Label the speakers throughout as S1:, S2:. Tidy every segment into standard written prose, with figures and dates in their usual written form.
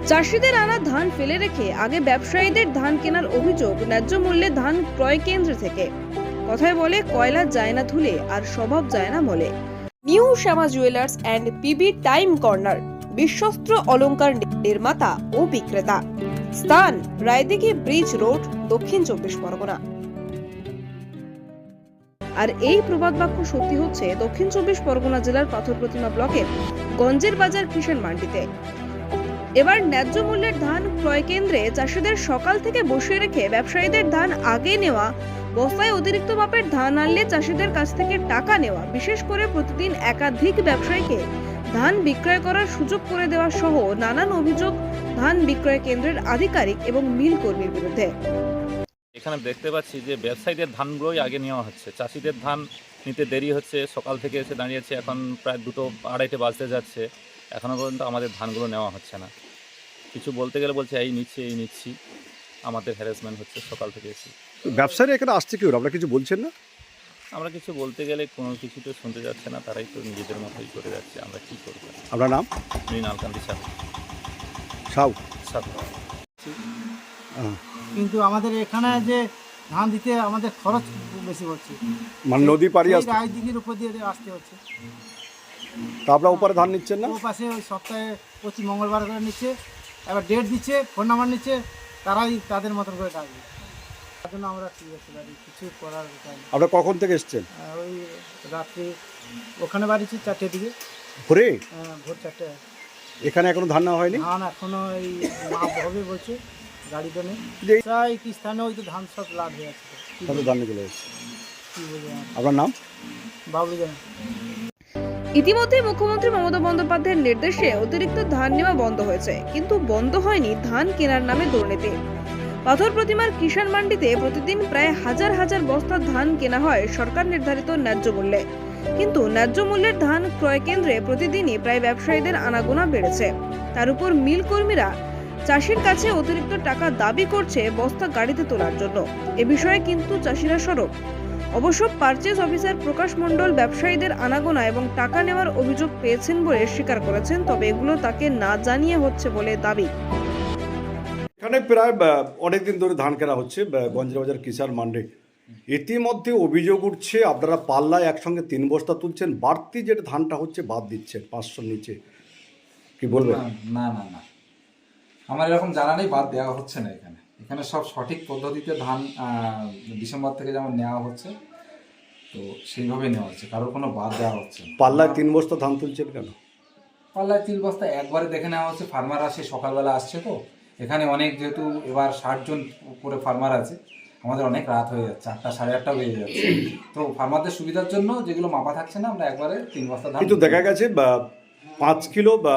S1: চাষিদের আনা ধান ফেলে রেখে আগে ব্যবসায়ীদের ধান কেনার অভিযোগ ন্যায্য মূল্যে ধান ক্রয় কেন্দ্র থেকে। কথায় বলে কয়লা যায় না ধুলে আর স্বভাব যায় না মলে। New Shyama jewellers and PB time corner, বিশ্বস্ত অলংকার নির্মাতা ও বিক্রেতা। স্থান রায়দিঘি ব্রিজ রোড, দক্ষিণ 24 পরগনা। আর এই প্রবাদ বাক্য সত্যি হচ্ছে দক্ষিণ 24 পরগনা জেলার পাথর প্রতিমা ব্লকের গঞ্জের বাজার কিষাণ মান্ডিতে। এবার ন্যায্য মূল্যের ধান ক্রয় কেন্দ্রে চাষিদের সকাল থেকে বসিয়ে রেখে ব্যবসায়ীদের ধান আগে নেওয়া, বস্তায় অতিরিক্ত মাপের ধান আনলে চাষিদের কাছ থেকে টাকা নেওয়া, বিশেষ করে প্রতিদিন একাধিক ব্যবসায়ীকে ধান বিক্রয় করার সুযোগ করে দেওয়া সহ নানান অভিযোগ ধান বিক্রয় কেন্দ্রের আধিকারিক এবং মিল কর্মীর বিরুদ্ধে।
S2: এখানে দেখতে পাচ্ছি যে ব্যবসায়ীদের ধানগুলোই আগে নেওয়া হচ্ছে, চাষিদের ধান নিতে দেরি হচ্ছে। সকাল থেকে এসে দাঁড়িয়েছে, এখন প্রায় 2-2:30 বাজতে যাচ্ছে, এখনও পর্যন্ত আমাদের ধানগুলো নেওয়া হচ্ছে না। কিছু বলতে গেলে বলছে এই নিচ্ছি, আমাদের হ্যারাসমেন্ট হচ্ছে সকাল থেকে এসে।
S3: ব্যবসায়ীরা এখানে আসছে কি, আমরা কিছু বলছেন না?
S2: আমরা কিছু বলতে গেলে কোনো কিছু তো শুনতে যাচ্ছে না, তারাই তো নিজেদের মতোই করে যাচ্ছে। আমরা কী করবো?
S3: আপনার নাম?
S2: মৃণালকান্তি
S3: সাউ।
S4: কিন্তু আমাদের এখানে যে ধান দিতে আমাদের খরচ বেশি হচ্ছে,
S3: মানে নদী পাড়ি আসতে,
S4: রায়দিঘির উপর দিয়ে আসতে হচ্ছে।
S3: তা আপনারা উপরে ধান নিচ্ছেন না?
S4: ও পাশে ওই সপ্তাহে প্রতি মঙ্গলবার করে নিচ্ছে, এবার ডেট দিচ্ছে, ফোন নাম্বার নিচ্ছে, তারাই তাদের মতন করে ডাকবে। তার জন্য আমরা ঠিক আছে দাঁড়িয়ে কিছু করার উপায় নেই।
S3: আপনারা কখন থেকে এসছেন?
S4: ওই রাত্রি ওখানে বাড়িছি 4টের দিকে,
S3: ভোরে?
S4: ভোর 4টে।
S3: এখানে এখনো ধান নেওয়া হয়নি?
S4: ধান এখনো এই মাপ হবে বলছে, গাড়িতে নেই।
S3: যে-
S4: প্রায় কি স্থানে ওই তো ধান সব লাভ হয়ে যাচ্ছে।
S3: তাহলে ধান চলে যাচ্ছে।
S4: কি বলবো,
S3: আপনার নাম?
S4: বাবলু জানে।
S1: ইতিমধ্যে মুখ্যমন্ত্রী মমতা বন্দ্যোপাধ্যায়ের নির্দেশে অতিরিক্ত ধান নেওয়া বন্ধ হয়েছে, কিন্তু বন্ধ হয়নি ধান কেনার নামে দুর্নীতি। পাথর প্রতিমার কিষাণ মান্ডিতে প্রতিদিন প্রায় হাজার হাজার বস্তা ধান কেনা হয় সরকার নির্ধারিত ন্যায্য মূল্যে, কিন্তু ন্যায্য মূল্যের ধান ক্রয় কেন্দ্রে প্রতিদিনই প্রায় ব্যবসায়ীদের আনাগোনা বেড়েছে। তার উপর মিল কর্মীরা চাষির কাছে অতিরিক্ত টাকা দাবি করছে বস্তা গাড়িতে তোলার জন্য। এ বিষয়ে কিন্তু চাষিরা সরব। অবশ্য পারচেজ অফিসার প্রকাশ মণ্ডল ব্যবসায়ীদের আনাগোনা এবং টাকা নেওয়ার অভিযোগ পেয়েছেন বলে স্বীকার করেছেন, তবে এগুলো তাকে না জানিয়ে হচ্ছে বলে দাবি।
S3: এখানে প্রায় অনেকদিন ধরে ধান কেনা হচ্ছে গঞ্জের বাজার কিষাণ মান্ডি। ইতিমধ্যে অভিযোগ উঠছে আপনারা পাল্লায় একসঙ্গে 3 বস্তা তুলছেন, বাড়তি যেটা ধানটা হচ্ছে বাদ দিচ্ছেন 500 নিচে। কি বলবেন?
S5: না না না, আমার এরকম জানা নেই, বাদ দেওয়া হচ্ছে না। এখানে সব সঠিক পদ্ধতিতে ধান ডিসেম্বর থেকে যেমন নেওয়া হচ্ছে, তো সেইভাবে নেওয়া হচ্ছে, কারোর কোনো বাদ দেওয়া হচ্ছে না।
S3: পাল্লায় 3 বস্তা ধান তুলছেন কেন?
S5: পাল্লায় 3 বস্তা একবারে দেখে নেওয়া হচ্ছে। ফার্মার আসে, সকালবেলা আসছে, তো এখানে অনেক, যেহেতু এবার 60 জন করে ফার্মার আছে, আমাদের অনেক রাত হয়ে যাচ্ছে, 8টা 8:30 বেজে যাচ্ছে। তো ফার্মারদের সুবিধার জন্য যেগুলো মাপা থাকছে না, আমরা একবারে 3 বস্তা ধান।
S3: কিন্তু দেখা গেছে 5 কিলো বা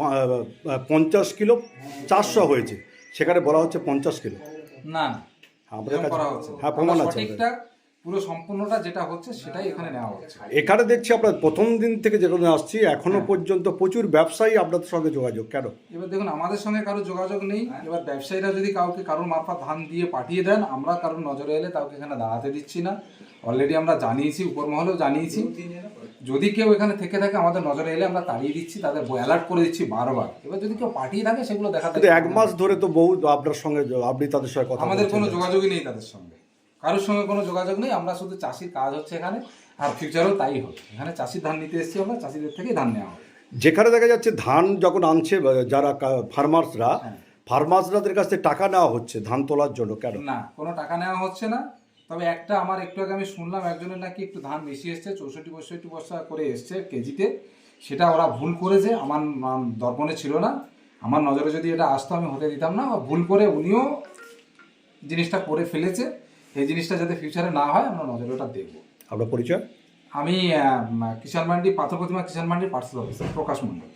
S3: 50 কিলো 400 হয়েছে, সেখানে বলা হচ্ছে 50 কিলো।
S5: না,
S3: আমাদের কাছে
S5: করা হচ্ছে,
S3: হ্যাঁ প্রমাণ আছে।
S5: সঠিকটা পুরো সম্পূর্ণটা যেটা হচ্ছে সেটাই এখানে নেওয়া হচ্ছে।
S3: এখানে দেখছি আপনার প্রথম দিন থেকে যেখানে আসছি এখনো পর্যন্ত প্রচুর ব্যবসায়ী আপনাদের সঙ্গে যোগাযোগ, কেন?
S5: এবার দেখুন, আমাদের সঙ্গে কারো যোগাযোগ নেই। এবার ব্যবসায়ীরা যদি কাউকে কারোর মারফত ধান দিয়ে পাঠিয়ে দেন, আমরা কারোর নজরে এলে কাউকে এখানে দাঁড়াতে দিচ্ছি না। অলরেডি আমরা জানিয়েছি, উপর মহলেও জানিয়েছি। যদি কেউ এখানে থেকে থাকে আমাদের নজরে এলে আমরা তাড়িয়ে দিচ্ছি, তাদের অ্যালার্ট করে দিচ্ছি বারবার। এবার যদি কেউ পাঠিয়ে থাকে সেগুলো দেখাতে,
S3: 1 মাস ধরে তো বহু আপনার সঙ্গে, আপনি তাদের সঙ্গে কথা
S5: আমাদের
S3: বলছেন।
S5: কোনো যোগাযোগই নেই তাদের সঙ্গে, কারোর সঙ্গে কোনো যোগাযোগ নেই। আমরা শুধু চাষির কাজ হচ্ছে এখানে, আর ফিউচারেও তাই হবে। এখানে চাষির ধান নিতে এসেছি আমরা, চাষিদের থেকেই ধান নেওয়া হবে।
S3: যেখানে দেখা যাচ্ছে ধান যখন আনছে যারা ফার্মার্সদের কাছ থেকে টাকা নেওয়া হচ্ছে ধান তোলার জন্য, কেন?
S5: না, কোনো টাকা নেওয়া হচ্ছে না। তবে একটা আমার একটু আগে আমি শুনলাম একজনের নাকি একটু ধান বেশি এসছে, 64-65 বস্তা করে এসছে কেজিতে। সেটা ওরা ভুল করেছে, আমার দর্পণে ছিল না। আমার নজরে যদি এটা আসতো আমি হতে দিতাম না। ভুল করে উনিও জিনিসটা করে ফেলেছে। এই জিনিসটা যাতে ফিউচারে না হয় আমরা নজরে ওটা দেখবো।
S3: আপনার পরিচয়?
S5: আমি কিষাণ মান্ডি, পাথর প্রতিমা কিষাণ মান্ডির পার্সেল অফিসার প্রকাশ মণ্ডল।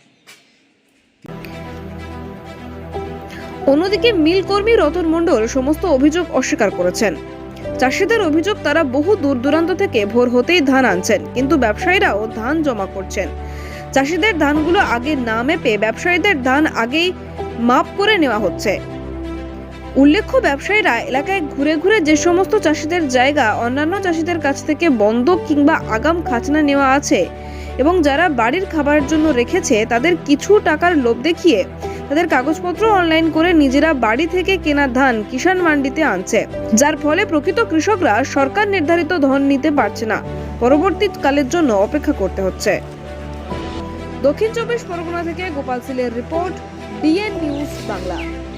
S1: অন্যদিকে মিল কর্মী রতন মণ্ডল সমস্ত অভিযোগ অস্বীকার করেছেন। চাষিদের অভিযোগ, তারা বহু দূর দূরান্ত থেকে ভোর হতেই ধান আনছেন, কিন্তু ব্যবসায়ীরাও ধান জমা করছেন। চাষিদের ধানগুলো আগে না মেপে ব্যবসায়ীদের ধান আগেই মাপ করে নেওয়া হচ্ছে। উল্লেখ্য, ব্যবসায়ীরা এলাকায় ঘুরে ঘুরে যে সমস্ত চাষিদের জায়গা অন্যান্য চাষিদের কাছ থেকে বন্ধক কিংবা আগাম খাজনা নেওয়া আছে এবং যারা বাড়ির খাবারের জন্য রেখেছে, তাদের কিছু টাকার লোভ দেখিয়ে তাদের কাগজপত্র অনলাইন করে নিজেরা বাড়ি থেকে কেনা ধান কিষাণ মান্ডিতে আনছে, যার ফলে প্রকৃত কৃষকরা সরকার নির্ধারিত ধন নিতে পারছে না, পরবর্তীকালের জন্য অপেক্ষা করতে হচ্ছে। দক্ষিণ 24 পরগনা থেকে গোপাল সিলের রিপোর্ট, ডিএন নিউজ বাংলা।